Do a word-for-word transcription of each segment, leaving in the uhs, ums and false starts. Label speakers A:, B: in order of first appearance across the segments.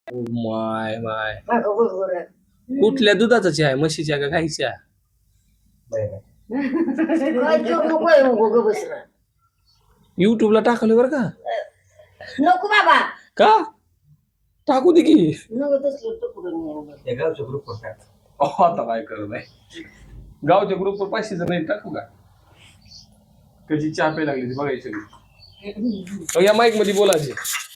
A: माय माय
B: अगं बरोबर
A: कुठल्या दुधाचा चहा आहे? म्हशीच्या का गाईच्या?
B: काय जोड नको आहे मग ग बस ना.
A: युट्यूबला टाकलं बरं का?
B: नको बाबा
A: का टाकू दे की.
B: नको तसलं टुकडं
C: त्या गावच्या ग्रुपवर टाक.
A: अहो, आता काय करत नाही गावच्या ग्रुपवर पाचशे जण नाही टाकू का? कशी चहा प्यायला लागली ती बघायची सगळी. या माईक मध्ये बोलायचे.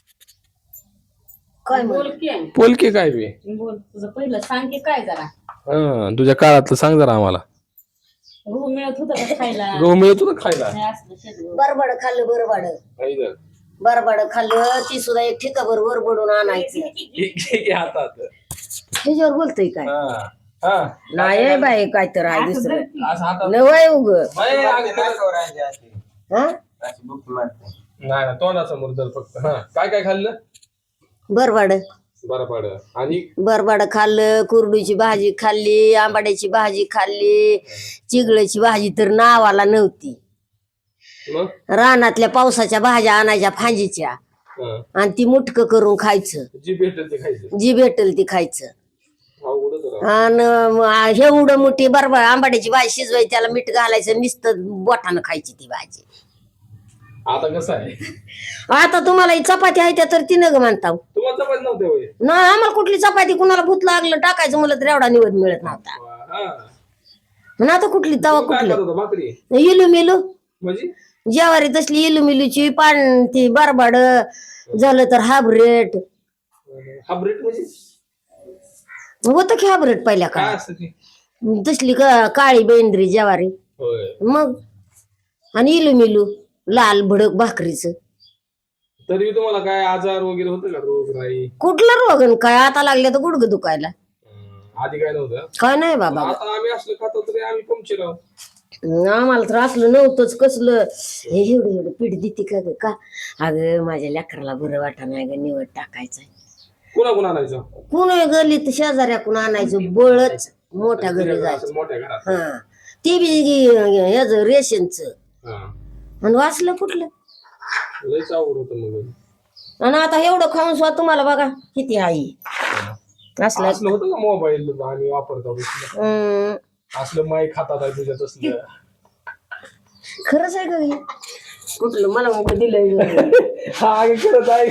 B: काय
D: बोल
B: म्हण
D: की
A: पोलके काय बे?
D: बोल तुझं पहिलं सांग की काय जरा
A: हा तुझ्या काळातलं सांग जरा आम्हाला.
D: गहू मिळत होतं का खायला
A: गहू मिळतो ना खायला?
D: नाही असलं शेतगहू.
B: बरबड खाल्लं बरबड
A: नाही तर.
B: बरबड खाल्लं ती सुद्धा एक ठिकाभर वरबडून आणायचं.
A: घे- घे- घे हातात.
B: त्याच्यावर बोलतोय काय
A: हा हा
B: नाही बाई काय तर आहे
D: असं
B: दुसरं
D: धर की.
A: असं हातात.
B: नवय उग
A: बाई, अगं खरं-
C: नाकावर आहे अशी.
B: हा
C: अशी बुक मारते.
A: नाही ना तोंडासमोर तर फक्त. हा काय काय खाल्लं?
B: बरबड
A: बरं पड. आणि
B: बरबड खाल्लं, कुरडूची भाजी खाल्ली, आंबाड्याची भाजी खाल्ली, चिगळाची भाजी तर नावाला नव्हती.
A: मग
B: रानातल्या पावसाच्या भाज्या आणायच्या फांजीच्या
A: हा.
B: आणि ती मुटक करून खायचं.
A: जी भेटेल ते खायचं.
B: जी भेटल ती खायचं.
A: अवघडच राव.
B: आणि हे उडं मोठी बरबड आंबाड्याची भाजी शिजवायची, त्याला मीठ घालायचं, नुसतं बोटानं खायची ती भाजी.
A: आता कसं आहे?
B: आता तुम्हाला ही चपाती आहे त्या तर ती नग म्हणता.
A: तुम्हाला चपाती नव्हते होय?
B: नाही आम्हाला कुठली चपाती कुणाला भूत लागलं टाकायचं म्हणलं तर एवढा निवड मिळत नव्हता.
A: हा.
B: आणि आता कुठली तवा
A: तू काय
B: कुठली
A: खात होता? भाकरी
B: इलू मिलू
A: म्हणजे?
B: ज्वारी तसली इलू मिलूची पान ती बरबड झालं तर हाबरेट
A: हायब्रिड म्हणजे
B: होतं की हाबरेट पहिल्या
A: काय
B: काळात
A: असतं ते?
B: तसली का- काळी बेंद्री ज्वारी
A: होय.
B: मग आणि इलू मिलू लाल भडक भाकरीचं.
A: तरी तुम्हाला काय आजार वगैरे होतं का? रोग नाही?
B: कुठला रोग आणि काय आता लागले तर गुडघं दुखायला
A: आधी काय नव्हतं.
B: काय नाही बाबा.
A: आता आम्ही असलं खातो तरी आम्ही पंक्चर आहोत.
B: आम्हाला तर असलं नव्हतंच कसलं हे एवढं एवढं पीठ देते का ग का अगं माझ्या लेकराला बरं वाटा नाही ग निवड टाकायचं.
A: कुणा कुणा आणायचं?
B: कुण गलीत शेजाऱ्याकून आणायचं बळच मोठ्या घरी जायचं.
A: मोठ्या घरात.
B: हा ते बी ह्याच रेशनच
A: हा.
B: आणि वाचलं कुठलं.
A: लयच अवघड होतं मग.
B: आणि आता एवढं खाऊन सुद्धा तुम्हाला बघा किती आई असलं.
A: असलं होतं का मोबाईल आम्ही वापरतो तसलं?
B: हम्म,
A: असलं माई खातात आहे तुझ्यात असलं.
B: खरंच आहे का हे? कुठलं मला मग दिलंय
A: हा अगं खरंच आहे.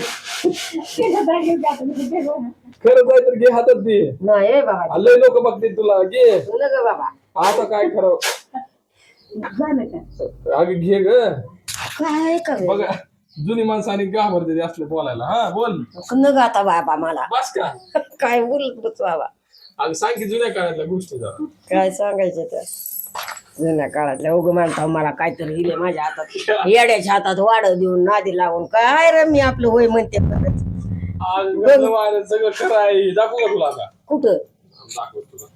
A: खरंच आहे तर घे हातात दे.
B: नाही हे बाबा
A: लय लोक बघतील तुला. घे
B: तुला ग बाबा
A: आता काय खरं.
D: झालं का?
A: अगं घे ग.
B: काय का ग?
A: बघा जुनी माणसाने घाबरते ते असलं बोलायला. हा बोल.
B: न ग आता बाबा मला
A: बस का?
B: काय बोलत बस बाबा.
A: अगं सांग की जुन्या काळातल्या गोष्टी जरा.
B: काय सांगायचं त्या जुन्या काळातल्या उग म्हणता मला काहीतरी दिले माझ्या हातात येड्याच्या हातात वाढ देऊन नादी लावून काय रे मी आपलं होय म्हणते परत.
A: अगं, सगळं खरं आहे. दाखवू का तुला आता?
B: कुठं
A: दाखव तुला.